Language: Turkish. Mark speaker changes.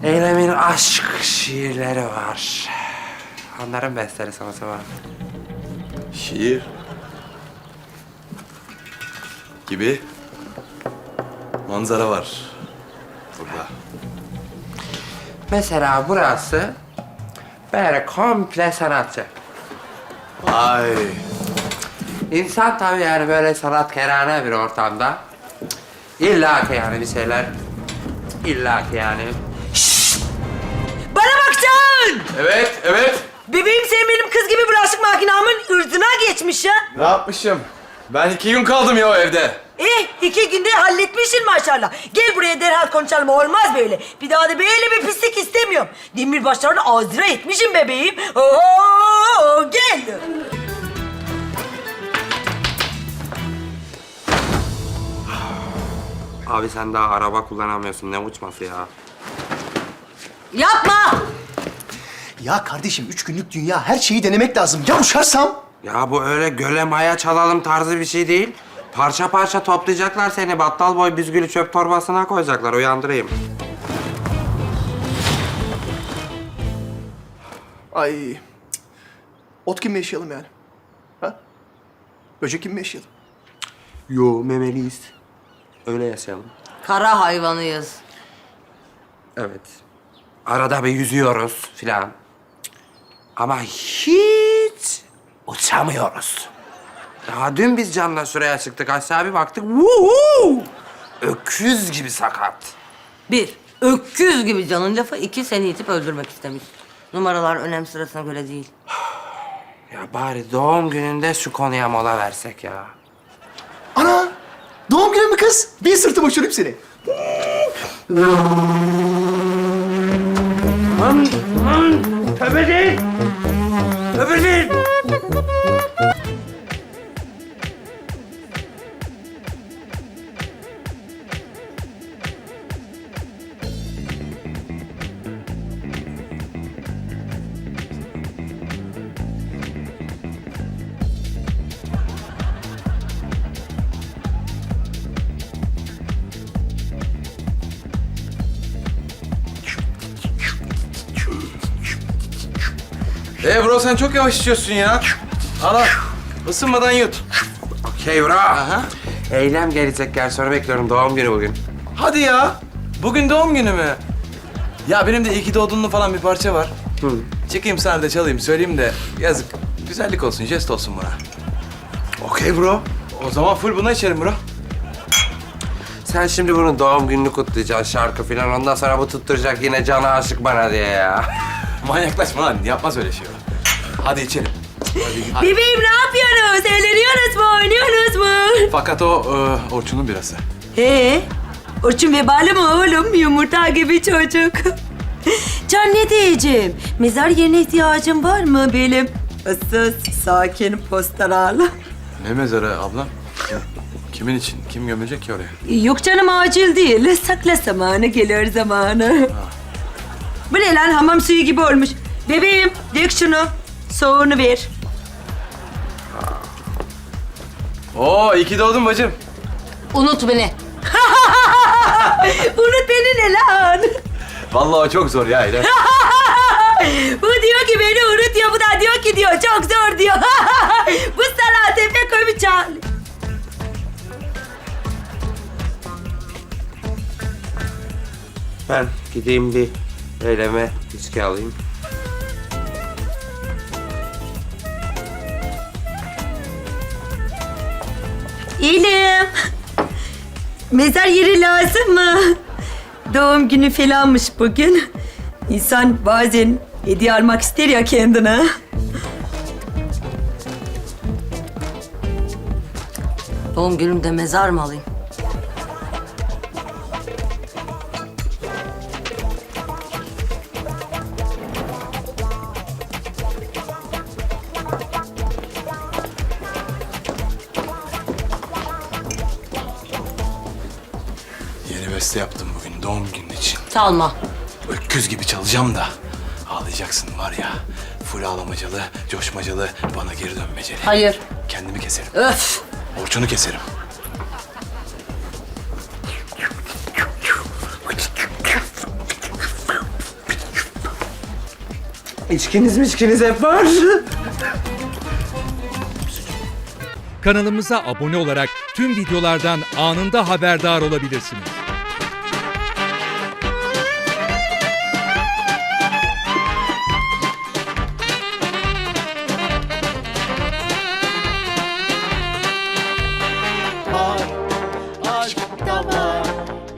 Speaker 1: Eylem'in aşk şiirleri var. Onların besteli sanatı var.
Speaker 2: Şiir gibi manzara var burada.
Speaker 1: Mesela burası böyle komple sanatçı.
Speaker 2: Ay.
Speaker 1: İnsan tabii yani böyle sanatkarane bir ortamda illa ki yani bir şeyler illa ki yani.
Speaker 3: Bana bakacaksın!
Speaker 2: Evet, evet.
Speaker 3: Bebeğim sen benim kız gibi bulaşık makinamın ırzına geçmiş ya.
Speaker 2: Ne yapmışım? Ben 2 gün kaldım ya o evde.
Speaker 3: 2 günde halletmişsin maşallah. Gel buraya derhal konuşalım, olmaz böyle. Bir daha da böyle bir pislik istemiyorum. Demirbaşlarını ağzına etmişim bebeğim. Oo, gel.
Speaker 1: Abi sen daha araba kullanamıyorsun, ne uçması ya?
Speaker 3: Yapma!
Speaker 4: Ya kardeşim 3 günlük dünya, her şeyi denemek lazım. Ya uçarsam?
Speaker 1: Ya bu öyle göle maya çalalım tarzı bir şey değil. Parça parça toplayacaklar seni, battal boy büzgülü çöp torbasına koyacaklar, uyandırayım.
Speaker 4: Ay. cık. Ot gibi mi yaşayalım yani? Ha? Böcek gibi mi yaşayalım?
Speaker 1: Yo, memeliyiz. Öyle yaşayalım.
Speaker 3: Kara hayvanıyız.
Speaker 1: Evet. Arada bir yüzüyoruz filan. Ama hiç uçamıyoruz. Daha dün biz Can'la şuraya çıktık, aşağı bir baktık. Vuhu! Öküz gibi sakat.
Speaker 5: 1. Öküz gibi canın lafı. 2. Seni itip öldürmek istemiş. Numaralar önem sırasına göre değil.
Speaker 1: Ya bari doğum gününde şu konuya mola versek ya.
Speaker 4: Ana! Doğum günü mü kız? Bir sırtıma uçurayım seni.
Speaker 1: Tövbe değil! Tövbe değil!
Speaker 2: Bro sen çok yavaş içiyorsun ya. Al. Isınmadan yut.
Speaker 1: Okey bro.
Speaker 2: Aha.
Speaker 1: Eylem gelecek, gel sonra bekliyorum. Doğum günü bugün.
Speaker 2: Hadi ya. Bugün doğum günü mü? Ya benim de iyi ki doğdunlu falan bir parça var.
Speaker 1: Hı.
Speaker 2: Çekeyim sana da çalayım, söyleyeyim de yazık. Güzellik olsun, jest olsun bana.
Speaker 1: Okey bro.
Speaker 2: O zaman full buna içerim bro.
Speaker 1: Sen şimdi bunun doğum gününü kutlayacaksın, şarkı falan. Ondan sonra bu tutturacak yine canı aşık bana diye ya.
Speaker 2: Manyaklaşma lan, yapmaz öyle şey. Hadi içelim. Hadi.
Speaker 3: Bebeğim ne yapıyorsunuz? Eğleniyorsunuz mu? Oynuyorsunuz mu?
Speaker 2: Fakat o Orçun'un birası.
Speaker 3: Orçun vebali mi oğlum? Yumurta gibi çocuk. Can ne diyeceğim? Mezar yerine ihtiyacın var mı benim? Issız, sakin, pastoral.
Speaker 2: Ne mezarı ablam? Kimin için? Kim gömecek ki oraya?
Speaker 3: Yok canım acil değil. Sakla zamanı gelir zamanı. Bu ne lan? Hamam suyu gibi olmuş. Bebeğim dök şunu. Soğuğunu ver.
Speaker 2: Oo, iyi ki doğdun bacım.
Speaker 5: Unut beni.
Speaker 3: Unut beni ne lan?
Speaker 2: Vallahi o çok zor ya İrem.
Speaker 3: Bu diyor ki beni unut diyor. Bu da diyor ki diyor çok zor diyor. Bu sana tepe koymuş çal.
Speaker 1: Ben gideyim bir Eylem'e içki alayım.
Speaker 3: İyiyim. Mezar yeri lazım mı? Doğum günü falanmış bugün. İnsan bazen hediye almak ister ya kendine.
Speaker 5: Doğum günümde mezar mı alayım?
Speaker 2: Yeni beste yaptım bugün doğum günün için.
Speaker 5: Çalma.
Speaker 2: Öküz gibi çalacağım da. Ağlayacaksın var ya. Full ağlamacalı, coşmacalı, bana geri dönmeceli.
Speaker 5: Hayır.
Speaker 2: Kendimi keserim.
Speaker 5: Öf.
Speaker 2: Orçun'u keserim.
Speaker 1: İçkiniz hep var.
Speaker 6: Kanalımıza abone olarak tüm videolardan anında haberdar olabilirsiniz.